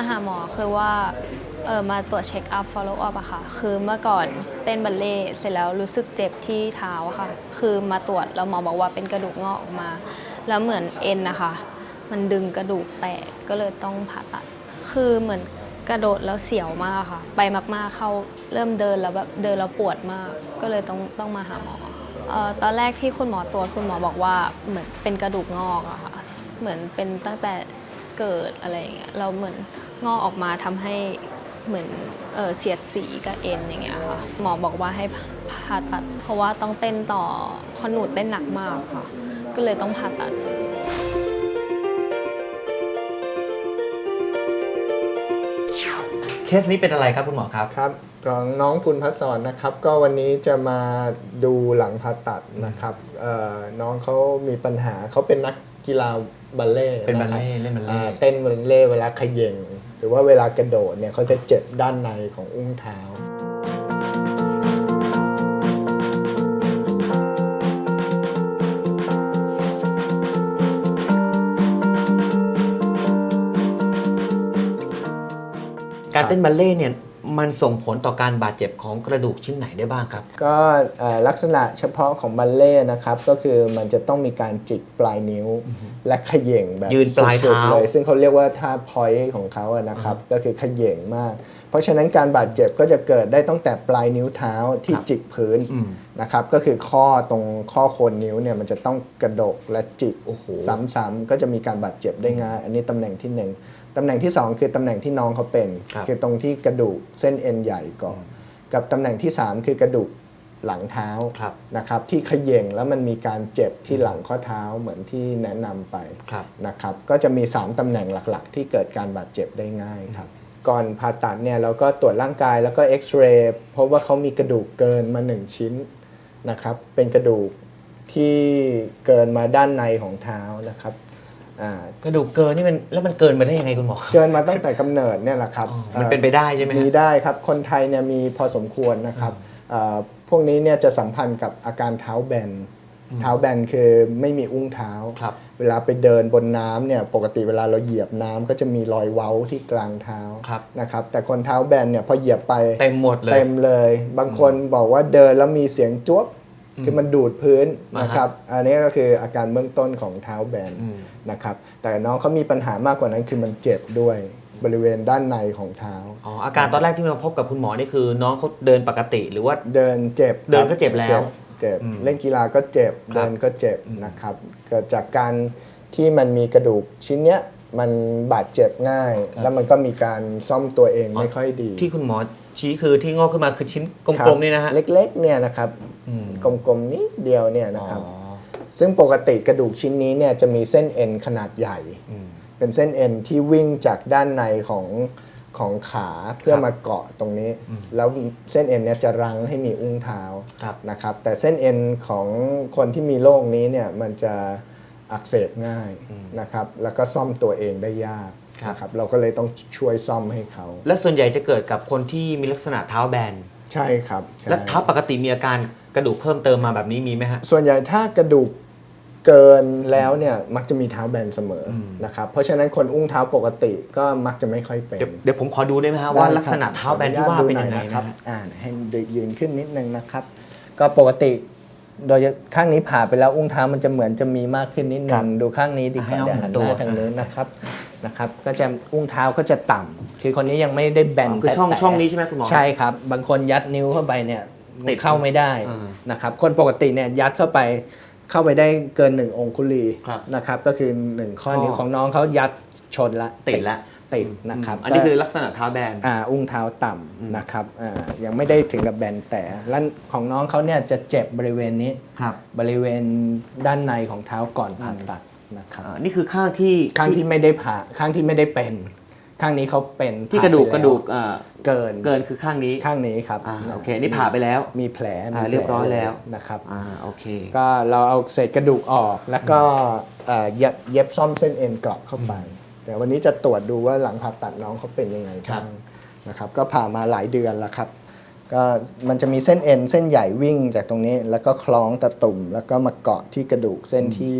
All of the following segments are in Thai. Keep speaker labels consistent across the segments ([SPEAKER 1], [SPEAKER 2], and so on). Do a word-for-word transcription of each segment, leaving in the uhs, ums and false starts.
[SPEAKER 1] หาหมอคือว่าเออมาตรวจเช็คอัพ follow up อะค่ะคือเมื่อก่อนเต้นบัลเล่เสร็จแล้วรู้สึกเจ็บที่เท้าค่ะคือมาตรวจแล้วหมอบอกว่าเป็นกระดูกงอกออกมาแล้วเหมือนเอ็นนะคะมันดึงกระดูกแตกก็เลยต้องผ่าตัดคือเหมือนกระโดดแล้วเสียวมากค่ะไปมากๆเข้าเริ่มเดินแล้วแบบเดินแล้วปวดมากก็เลยต้องต้องมาหาหมอเอ่อตอนแรกที่คุณหมอตรวจคุณหมอบอกว่าเหมือนเป็นกระดูกงอกอะค่ะเหมือนเป็นตั้งแต่เกิดอะไรอย่างเงี้ยเราเหมือนงอกออกมาทำให้เหมือนเอ่อเสียดสีกับเอ็นอย่างเงี้ยค่ะหมอบอกว่าให้ผ่าตัดเพราะว่าต้องเต้นต่อเพราะหนูเต้นหนักมากค่ะก็เลยต้องผ่าตัด
[SPEAKER 2] เคสนี้เป็นอะไรครับคุณหมอครับ
[SPEAKER 3] ครับของน้องพุนพัศรนะครับก็วันนี้จะมาดูหลังผ่าตัดนะครับน้องเขามีปัญหาเขาเป็นนักกีฬาบัลเล่
[SPEAKER 2] เป็นบัลเล่เล่นบัลเล่
[SPEAKER 3] เต้นบัลเล่เวลาเขย่งหรือว่าเวลากระโดดเนี่ยเขาจะเจ็บด้านในของอุ้งเท้า
[SPEAKER 2] การเต้นบัลเล่เนี่ยมันส่งผลต่อการบาดเจ็บของกระดูกชิ้นไหนได้บ้างครับ
[SPEAKER 3] ก็ลักษณะเฉพาะของบัลเล่นะครับก็คือมันจะต้องมีการจิกปลายนิ้วและเขย่งแบบ
[SPEAKER 2] ยืนปลายเท้า
[SPEAKER 3] เลยซึ่งเขาเรียกว่าท่าพอยต์ของเขาอะนะครับก็คือเขย่งมากเพราะฉะนั้นการบาดเจ็บก็จะเกิดได้ตั้งแต่ปลายนิ้วเท้าที่จิกพื้นนะครับก็คือข้อตรงข้อโคนนิ้วเนี่ยมันจะต้องกระดกและจิกซ้ำๆก็จะมีการบาดเจ็บได้ง่ายอันนี้ตำแหน่งที่หนึ่งตำแหน่งที่สองคือตำแหน่งที่น้องเขาเป็นคือตรงที่กระดูกเส้นเอ็นใหญ่ก่อนกับตำแหน่งที่สามคือกระดูกหลังเท้านะครับที่เขย่งแล้วมันมีการเจ็บที่หลังข้อเท้าเหมือนที่แนะนำไปนะครับก็จะมีสามตำแหน่งหลักๆที่เกิดการบาดเจ็บได้ง่ายครับก่อนผ่าตัดเนี่ยเราก็ตรวจร่างกายแล้วก็เอ็กซเรย์พบว่าเขามีกระดูกเกินมาหนึ่งชิ้นนะครับเป็นกระดูกที่เกินมาด้านในของเท้านะครับ
[SPEAKER 2] กระดูกเกินนี่มันแล้วมันเกินมาได้ยังไงคุณหมอ
[SPEAKER 3] เกินมาตั้งแต่กำเนิดเนี่ยแหละครับ
[SPEAKER 2] มันเป็นไปได้ใช่ไหม
[SPEAKER 3] มีได้ครับคนไทยเนี่ยมีพอสมควรนะครับพวกนี้เนี่ยจะสัมพันธ์กับอาการเท้าแบนเท้าแบนคือไม่มีอุ้งเท้าเวลาไปเดินบนน้ำเนี่ยปกติเวลาเราเหยียบน้ำก็จะมีรอยเว้าที่กลางเท้านะครับแต่คนเท้าแบนเนี่ยพอเหยียบไป
[SPEAKER 2] เต็มหมดเลย
[SPEAKER 3] เต็มเลยบางคนบอกว่าเดินแล้วมีเสียงจ๊วบคือมันดูดพื้นนะครับอันนี้ก็คืออาการเบื้องต้นของเท้าแบนนะครับแต่น้องเขามีปัญหามากกว่านั้นคือมันเจ็บด้วยบริเวณด้านในของเท้า
[SPEAKER 2] อ๋ออาการตอนแรกที่มาพบกับคุณหมอนี่คือน้องเขาเดินปกติหรือว่า
[SPEAKER 3] เดินเจ็บ
[SPEAKER 2] เดินก็เจ็บแล้ว
[SPEAKER 3] เจ็บเล่นกีฬาก็เจ็บเดินก็เจ็บนะครับเกิดจากการที่มันมีกระดูกชิ้นเนี้ยมันบาดเจ็บง่ายแล้วมันก็มีการซ่อมตัวเองไม่ค่อยดี
[SPEAKER 2] ที่คุณหมอชี้คือที่งอกขึ้นมาคือชิ้นกลมๆนี่นะฮะ
[SPEAKER 3] เล็กๆเนี่ยนะครับกลมๆนิดเดียวเนี่ยนะครับซึ่งปกติกระดูกชิ้นนี้เนี่ยจะมีเส้นเอ็นขนาดใหญ่เป็นเส้นเอ็นที่วิ่งจากด้านในของของขาเพื่อมาเกาะตรงนี้แล้วเส้นเอ็นเนี่ยจะรั้งให้มีอุ้งเท้านะครับแต่เส้นเอ็นของคนที่มีโรคนี้เนี่ยมันจะอักเสบง่ายนะครับแล้วก็ซ่อมตัวเองได้ยากนะครับเราก็เลยต้องช่วยซ่อมให้เขา
[SPEAKER 2] และส่วนใหญ่จะเกิดกับคนที่มีลักษณะเท้าแบน
[SPEAKER 3] ใช่ครับ
[SPEAKER 2] และเท้าปกติมีอาการกระดูกเพิ่มเติมมาแบบนี้มีไหมฮะ
[SPEAKER 3] ส่วนใหญ่ถ้ากระดูกเกินแล้วเนี่ยมักจะมีเท้าแบนเสมอนะครับเพราะฉะนั้นคนอุ้งเท้าปกติก็มักจะไม่ค่อยเป็น
[SPEAKER 2] เดี๋ยวผมขอดูได้ไหมฮะว่าลักษณะเท้าแบนที่ว่าเป็นยังไงนะครับ
[SPEAKER 3] อ่าให้ยืนขึ้นนิดนึงนะครับก็ปกติโดยข้างนี้ผ่าไปแล้วอุ้งเท้ามันจะเหมือนจะมีมากขึ้นนิดนึงดูข้างนี้ดีกว่าเดี๋ยวหันหน้าทางนู้นนะครับนะครับก็จะอุ้งเท้าก็จะต่ำคือคนนี้ยังไม่ได้แบน
[SPEAKER 2] คือช่องช่องนี้ใช่ไหมคุณหมอ
[SPEAKER 3] ใช่ครับบางคนยัดนิ้วเข้าไปเนี่ยติดเข้าไม่ได้นะครับคนปกติเนี่ยยัดเข้าไปเข้าไปได้เกินหนึ่งองคุลีนะครับก็คือหนึ่งข้อนิ้วของน้องเขายัดชนละ
[SPEAKER 2] ติดละ
[SPEAKER 3] ติดนะครับ
[SPEAKER 2] อันนี้คือลักษณะเท้าแบน
[SPEAKER 3] อ่าอุ้งเท้าต่ำนะครับอ่ายังไม่ได้ถึงกับแบนแต่และของน้องเขาเนี่ยจะเจ็บบริเวณนี้บริเวณด้านในของเท้าก่อนผ่าตัดนะครับ
[SPEAKER 2] นี่คือข้างที่
[SPEAKER 3] ข้างที่ไม่ได้ผ่าข้างที่ไม่ได้เป็นข้างนี้เขาเป็น
[SPEAKER 2] ที่กระดูกกระดูก
[SPEAKER 3] เกิน
[SPEAKER 2] เกินคือข้างนี้
[SPEAKER 3] ข้างนี้ครับ
[SPEAKER 2] โอเคนี่ผ่าไปแล้ว
[SPEAKER 3] มีแผล
[SPEAKER 2] เรียบร้อยแล้ว
[SPEAKER 3] นะครับ
[SPEAKER 2] อ่าโอเค
[SPEAKER 3] ก็เราเอาเศษกระดูกออกแล้วก็เย็บเย็บซ่อมเส้นเอ็นกลับเข้าไปแต่วันนี้จะตรวจดูว่าหลังผ่าตัดน้องเขาเป็นยังไงบ้างนะครับก็ผ่ามาหลายเดือนแล้วครับก็มันจะมีเส้นเอ็นเส้นใหญ่วิ่งจากตรงนี้แล้วก็คล้องตะตุ่มแล้วก็มาเกาะที่กระดูกเส้นที่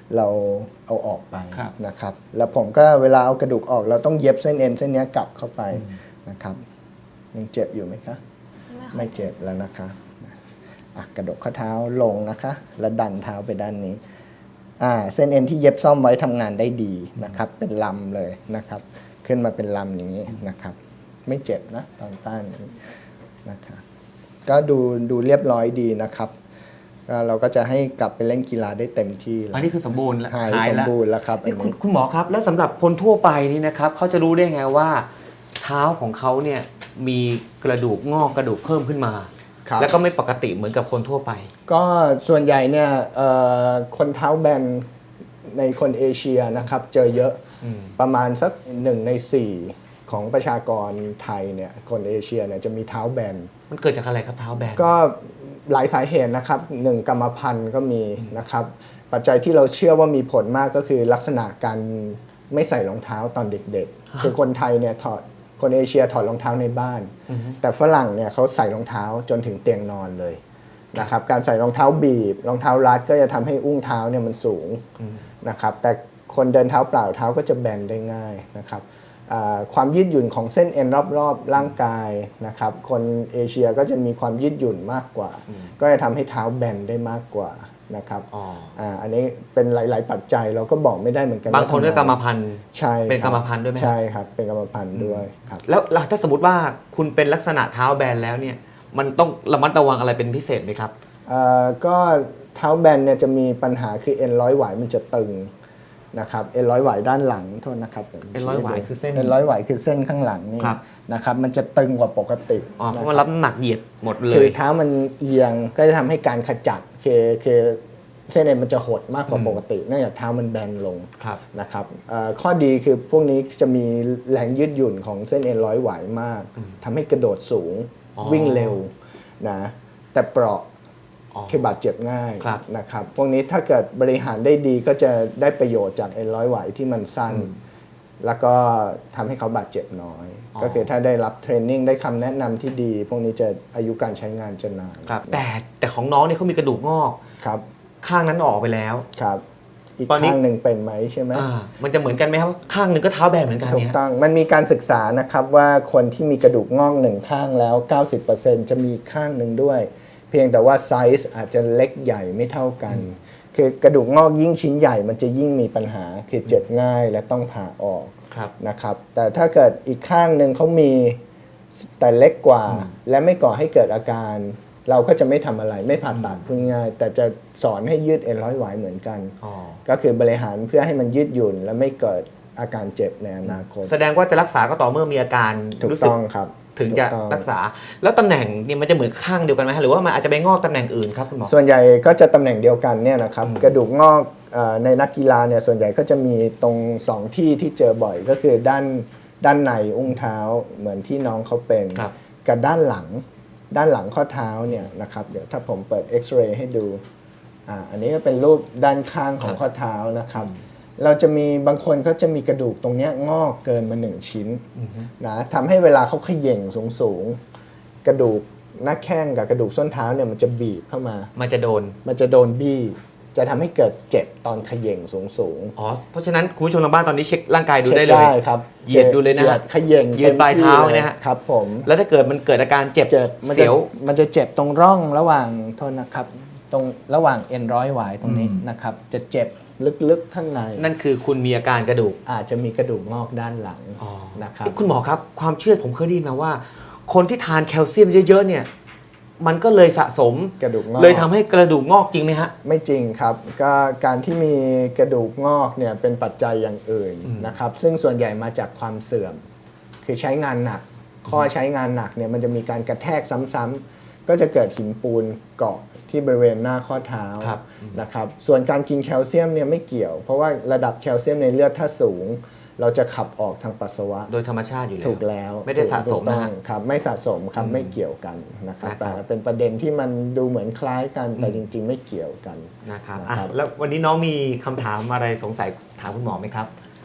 [SPEAKER 3] เราเอาออกไป
[SPEAKER 2] ครับ
[SPEAKER 3] นะครับแล้วผมก็เวลาเอากระดูกออกเราต้องเย็บเส้นเอ็นเส้นเนี้ยกลับเข้าไปนะครับยังเจ็บอยู่ไหมคะไม่เจ็บแล้วนะคะอ่ะกระดกข้อเท้าลงนะคะแล้วดันเท้าไปด้านนี้อ่าเส้นเอ็นที่เย็บซ่อมไว้ทำงานได้ดีนะครับเป็นลำเลยนะครับขึ้นมาเป็นลำอย่างนี้นะครับไม่เจ็บนะตอนต้านนี้นะครับก็ดูดูเรียบร้อยดีนะครับก็เราก็จะให้กลับไปเล่นกีฬาได้เต็มที่แล้ว
[SPEAKER 2] อันนี้คือสมบูรณ์แล้ว
[SPEAKER 3] หาย
[SPEAKER 2] หาย
[SPEAKER 3] สม
[SPEAKER 2] แล้ว
[SPEAKER 3] บูรณ์แล้วครับอั
[SPEAKER 2] นี่
[SPEAKER 3] น
[SPEAKER 2] คุณ
[SPEAKER 3] นี้
[SPEAKER 2] คุณหมอครับ แล้วสำหรับคนทั่วไปนี่นะครับเขาจะรู้ได้ไงว่า เท้าของเขาเนี่ยมีกระดูกงอกกระดูกเพิ่มขึ้นมา
[SPEAKER 3] ครับ
[SPEAKER 2] แล้วก็ไม่ปกติเหมือนกับคนทั่วไป
[SPEAKER 3] ก็ส่วนใหญ่เนี่ยเอ่อคนเท้าแบนในคนเอเชียนะครับเจอเยอะ
[SPEAKER 2] อืม
[SPEAKER 3] ประมาณสักหนึ่งในสี่ของประชากรไทยเนี่ยคนเอเชียเนี่ยจะมีเท้าแบน
[SPEAKER 2] มันเกิดจากอะไรครับเท้าแบน
[SPEAKER 3] ก็หลายสาเหตุนะครับหนึ่งกรรมพันธุ์ก็มีนะครับปัจจัยที่เราเชื่อว่ามีผลมากก็คือลักษณะการไม่ใส่รองเท้าตอนเด็กๆ คือคนไทยเนี่ยถอดคนเอเชียถอดรองเท้าในบ้าน แต่ฝรั่งเนี่ยเขาใส่รองเท้าจนถึงเตียงนอนเลยนะครับการใส่รองเท้าบีบรองเท้ารัดก็จะทำให้อุ้งเท้าเนี่ยมันสูงนะครับแต่คนเดินเท้าเปล่าเท้าก็จะแบนได้ง่ายนะครับอ่าความยืดหยุ่นของเส้นเอ็นรอบๆร่างกายนะครับคนเอเชียก็จะมีความยืดหยุ่นมากกว่า ก็จะทำให้เท้าแบนได้มากกว่านะครับ
[SPEAKER 2] อ๋อ
[SPEAKER 3] อ่าอันนี้เป็นหลาย ๆ ปัจจัยเราก็บอกไม่ได้เหมือนกัน
[SPEAKER 2] บางคนก็
[SPEAKER 3] ว่
[SPEAKER 2] กรรมพันธุ์
[SPEAKER 3] ใช่
[SPEAKER 2] เป็น
[SPEAKER 3] คบ
[SPEAKER 2] กรรมพันธุ์ด้วยไหม
[SPEAKER 3] ใช่ครับเป็นกรรมพันธุ์ด้วยครับ
[SPEAKER 2] แล้วแล้วถ้าสมมติว่าคุณเป็นลักษณะเท้าแบนแล้วเนี่ยมันต้องระมัดระวังอะไรเป็นพิเศษไหมครับ
[SPEAKER 3] เอ่อก็เท้าแบนเนี่ยจะมีปัญหาคือเอ็นร้อยหวายมันจะตึงนะครับเอ็นร้อยหวายด้านหลังโทษนะครับ
[SPEAKER 2] เอ็นร้อยหวายคือเส้น
[SPEAKER 3] เอ็นร้อยหวายคือเส้นข้างหลังนี่
[SPEAKER 2] ครับ
[SPEAKER 3] นะครับมันจะตึงกว่าปกติ
[SPEAKER 2] อ๋อเพราะ
[SPEAKER 3] นะ
[SPEAKER 2] มัน
[SPEAKER 3] ค
[SPEAKER 2] รั
[SPEAKER 3] รั
[SPEAKER 2] บบ น้ำหนักเหยียดหมดเล
[SPEAKER 3] คือย เท้ามันเอียงก็จะทำให้การขจัดคือคือเส้นเอ็นมันจะหดมากกว่าปกติเนื่องจากเท้ามันแบนลง
[SPEAKER 2] ครับ
[SPEAKER 3] นะครับเอ่อข้อดีคือพวกนี้จะมีแรงยืดหยุ่นของเส้นเอ็นร้อยหวายมากทำให้กระโดดสูง
[SPEAKER 2] อ๋อ
[SPEAKER 3] วิ่งเร็วนะแต่เปราะ
[SPEAKER 2] อ๋อ
[SPEAKER 3] คือบาดเจ็บง่าย
[SPEAKER 2] ครับ
[SPEAKER 3] นะครับพวกนี้ถ้าเกิดบริหารได้ดีก็จะได้ประโยชน์จากเอ็นร้อยหวายที่มันสั้น แล้วก็ทำให้เขาบาดเจ็บน้อย
[SPEAKER 2] อ๋อ
[SPEAKER 3] ก็คือถ้าได้รับเทรนนิ่งได้คำแนะนำที่ดี พวกนี้จะอายุการใช้งานจะนาน
[SPEAKER 2] ครับแต่แต่ของน้องเนี่ยเขามีกระดูกงอก
[SPEAKER 3] ครับ
[SPEAKER 2] ข้างนั้นออกไปแล้ว
[SPEAKER 3] ครับอีก
[SPEAKER 2] ตอนนี้
[SPEAKER 3] ข้างหนึ่งเป็นไหมใช่ไหม
[SPEAKER 2] อ่ามันจะเหมือนกันไหมครับข้างหนึ่งก็เท้าแบนเหมือนกัน
[SPEAKER 3] ถูก
[SPEAKER 2] เนี่ย
[SPEAKER 3] ต้อง มันมีการศึกษานะครับว่าคนที่มีกระดูกงอกหนึ่งข้างแล้ว เก้าสิบเปอร์เซ็นต์ จะมีข้างหนึ่งด้วย เพียงแต่ว่าไซส์อาจจะเล็กใหญ่ไม่เท่ากัน คือกระดูกงอกยิ่งชิ้นใหญ่มันจะยิ่งมีปัญหา คือเจ็บง่ายและต้องผ่าออก
[SPEAKER 2] ครับ
[SPEAKER 3] นะครับ แต่ถ้าเกิดอีกข้างหนึ่งเขามีแต่เล็กกว่า และไม่ก่อให้เกิดอาการ เราก็จะไม่ทำอะไรไม่ผ่าตัดพูดง่ายๆแต่จะสอนให้ยืดเอ็นร้อยหวายเหมือนกัน
[SPEAKER 2] อ๋อ
[SPEAKER 3] ก็คือบริหารเพื่อให้มันยืดหยุ่น และไม่เกิดอาการเจ็บในอนาคต
[SPEAKER 2] แสดงว่าจะรักษาก็ต่อเมื่อมีอาการ
[SPEAKER 3] ถูก
[SPEAKER 2] รู้สึก
[SPEAKER 3] ต้องครับ
[SPEAKER 2] ถึงจะ
[SPEAKER 3] ถูกต้อง
[SPEAKER 2] รักษา แล้วตำแหน่งเนี่ยมันจะเหมือนข้างเดียวกันไหมฮะหรือว่ามันอาจจะไปงอกตำแหน่งอื่นครับคุณหมอ
[SPEAKER 3] ส่วนใหญ่ก็จะตำแหน่งเดียวกันเนี่ยนะครับกระดูกงอกเอ่อในนักกีฬาเนี่ยส่วนใหญ่ก็จะมีตรงสองที่ที่เจอบ่อยก็คือด้านด้านในอุ้งเท้าเหมือนที่น้องเขาเป็น
[SPEAKER 2] ครับ
[SPEAKER 3] กับด้านหลังด้านหลังข้อเท้าเนี่ยนะครับเดี๋ยวถ้าผมเปิดเอ็กซเรย์ให้ดูอ่าอันนี้ก็เป็นรูปด้านข้างของข้อเท้านะครับเราจะมีบางคนเขาจะมีกระดูกตรงเนี้ยงอกเกินมาหนึ่งชิ้นนะทำให้เวลาเขาเขย่งสูงๆกระดูกหน้าแข้งกับกระดูกส้นเท้าเนี่ยมันจะบีบเข้ามา
[SPEAKER 2] มันจะโดน
[SPEAKER 3] มันจะโดนบี้ จะทำให้เกิดเจ็บตอนเขย่งสูงสูง
[SPEAKER 2] อ๋อ เพราะฉะนั้นคุณผู้ชมทางบ้านตอนนี้เช็คร่างกายดู
[SPEAKER 3] ช็ค
[SPEAKER 2] ได้เลย
[SPEAKER 3] ครับ
[SPEAKER 2] เหยียดดูเลยนะ
[SPEAKER 3] หดเขย่ง
[SPEAKER 2] ยืนปลายเท้า
[SPEAKER 3] ต็มที่
[SPEAKER 2] เนี่ยฮะ
[SPEAKER 3] ครับผม
[SPEAKER 2] แล้วถ้าเกิดมันเกิดอาการเจ็บ
[SPEAKER 3] เจ็บมันจะ
[SPEAKER 2] เสียว
[SPEAKER 3] มันจะเจ็บตรงร่องระหว่างโทษนะครับ ตรงระหว่างเอ็นร้อยหวายตรงนี้นะครับ จะเจ็บลึกๆข้างใน
[SPEAKER 2] นั่นคือคุณมีอาการกระดูก
[SPEAKER 3] อาจจะมีกระดูกงอกด้านหลัง
[SPEAKER 2] อ๋อ
[SPEAKER 3] นะครับ
[SPEAKER 2] เอ๊ะคุณหมอครับ ความเชื่อผมเคยได้ยินมาว่า คนที่ทานแคลเซียมเยอะๆเนี่ย มันก็เลยสะสม
[SPEAKER 3] กระดูกงอก
[SPEAKER 2] เลยทำให้กระดูกงอกจริงไหมฮะ
[SPEAKER 3] ไม่จริงครับก็การที่มีกระดูกงอกเนี่ยเป็นปัจจัยอย่างอื่นนะครับซึ่งส่วนใหญ่มาจากความเสื่อม คือใช้งานหนัก ข้อใช้งานหนักเนี่ยมันจะมีการกระแทกซ้ำๆก็จะเกิดหินปูนเกาะที่บริเวณหน้าข้อเท้า
[SPEAKER 2] ครับ
[SPEAKER 3] นะครับส่วนการกินแคลเซียมเนี่ยไม่เกี่ยว เพราะว่าระดับแคลเซียมในเลือดถ้าสูง เราจะขับออกทางปัสสาวะ
[SPEAKER 2] โดยธรรมชาติอยู่แล้ว
[SPEAKER 3] ถูกแล้ว
[SPEAKER 2] ไม่ได้สะสม
[SPEAKER 3] ถูกต้
[SPEAKER 2] นะ
[SPEAKER 3] อง
[SPEAKER 2] ฮะ
[SPEAKER 3] ครับไม่สะสมครับไม่เกี่ยวกันนะครับ
[SPEAKER 2] นะครับ
[SPEAKER 3] แต่เป็นประเด็นที่มันดูเหมือนคล้ายกันแต่จริง ๆ ไม่เกี่ยวกัน
[SPEAKER 2] นะครับ
[SPEAKER 3] นะ
[SPEAKER 2] อ่ะ
[SPEAKER 3] ครับ
[SPEAKER 2] แล้ววันนี้น้องมีคำถามอะไรสงสัยถามคุณหมอไหมครับ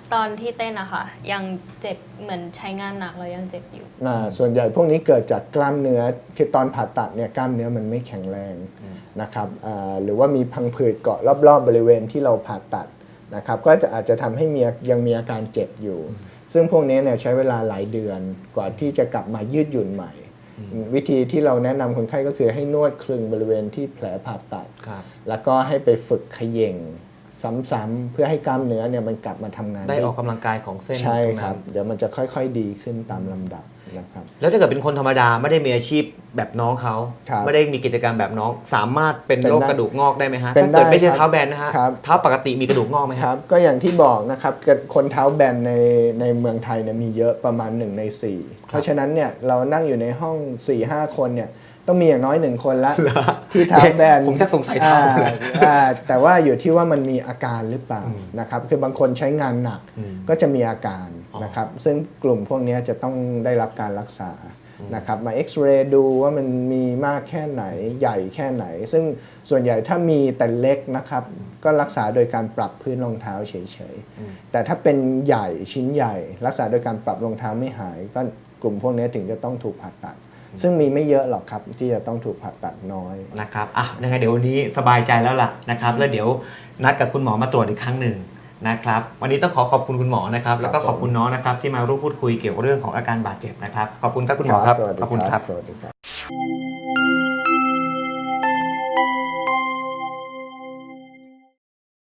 [SPEAKER 1] ตอนที่เต้นอะค่ะยังเจ็บเหมือนใช้งานหนักแล้วยังเจ็บอยู่
[SPEAKER 3] อ่าส่วนใหญ่พวกนี้เกิดจากกล้ามเนื้อคือตอนผ่าตัดเนี่ยกล้ามเนื้อมันไม่แข็งแรงนะครับอ่าหรือว่ามีพังผืดเกาะรอบๆบริเวณที่เราผ่าตัดนะครับก็จะอาจจะทำให้มียังมีอาการเจ็บอยู่ ซึ่งพวกนี้เนี่ยใช้เวลาหลายเดือนกว่าที่จะกลับมายืดหยุ่นใหม่ วิธีที่เราแนะนำคนไข้ก็คือให้นวดคลึงบริเวณที่แผลผ่าตัด
[SPEAKER 2] ครับ
[SPEAKER 3] แล้วก็ให้ไปฝึกเขย่งซ้ำๆเพื่อให้กล้ามเนื้อเนี่ยมันกลับมาทำงาน
[SPEAKER 2] ได้ออกกำลังกายของเส้น
[SPEAKER 3] ใช่
[SPEAKER 2] ตรง
[SPEAKER 3] ครั
[SPEAKER 2] นั้
[SPEAKER 3] บ
[SPEAKER 2] น
[SPEAKER 3] เดี๋ยวมันจะค่อยๆดีขึ้นตามลำดับนะครับ
[SPEAKER 2] แล้วถ้าเกิดเป็นคนธรรมดาไม่ได้มีอาชีพแบบน้องเขา
[SPEAKER 3] ครับ
[SPEAKER 2] ไม่ได้มีกิจกรรมแบบน้องสามารถเป็น
[SPEAKER 3] เป็น
[SPEAKER 2] โรค
[SPEAKER 3] ได้
[SPEAKER 2] กระดูกงอกได้ไหมฮะ
[SPEAKER 3] เป็น
[SPEAKER 2] ถ้าเกิดไม่ใช่
[SPEAKER 3] ได้ครับ
[SPEAKER 2] เท้าแบนนะฮะ
[SPEAKER 3] ครับ
[SPEAKER 2] เท้าปกติมีกระดูกงอกไหม
[SPEAKER 3] ค
[SPEAKER 2] ฮะ
[SPEAKER 3] รับก็อย่างที่บอกนะครับคนเท้าแบนในในเมืองไทยเนี่ยมีเยอะประมาณหนึ่งในสี่เพราะฉะนั้นเนี่ยเรานั่งอยู่ในห้อง สี่ห้า คนเนี่ยต้องมีอย่างน้อยหนึ่งคนละที่เท้าแบน
[SPEAKER 2] ผมชักสงสัยเท้าเลย
[SPEAKER 3] อ่าอ่าแต่ว่าอยู่ที่ว่ามันมีอาการหรือเปล่านะครับคือบางคนใช้งานหนัก
[SPEAKER 2] อืม
[SPEAKER 3] ก็จะมีอาการ
[SPEAKER 2] อ๋อ
[SPEAKER 3] นะครับซึ่งกลุ่มพวกนี้จะต้องได้รับการรักษานะครับมาเอ็กซเรย์ดูว่ามันมีมากแค่ไหนใหญ่แค่ไหน ซึ่งส่วนใหญ่ถ้ามีแต่เล็กนะครับก็รักษาโดยการปรับพื้นรองเท้าเฉยๆแต่ถ้าเป็นใหญ่ชิ้นใหญ่ รักษาโดยการปรับรองเท้าไม่หาย ก็กลุ่มพวกนี้ถึงจะต้องถูกผ่าตัด ซึ่งมีไม่เยอะหรอกครับที่จะต้องถูกผ่าตัดน้อย
[SPEAKER 2] นะครับอ่ะยังไงเดี๋ยววันนี้สบายใจแล้วล่ะนะครับ แล้วเดี๋ยวนัดกับคุณหมอมาตรวจอีกครั้งหนึ่งนะครับ วันนี้ต้องขอขอบคุณคุณหมอนะครับ แล้วก็ขอบคุณน้องนะครับที่มาร่วมพูดคุยเกี่ยวกับเรื่องของอาการบาดเจ็บนะครับ ขอบคุณครับคุณหมอครับ
[SPEAKER 3] สวัสดี
[SPEAKER 2] ขอบคุณ
[SPEAKER 3] ค
[SPEAKER 2] ค
[SPEAKER 3] รั
[SPEAKER 2] รั
[SPEAKER 3] บบ สวัสดีครับ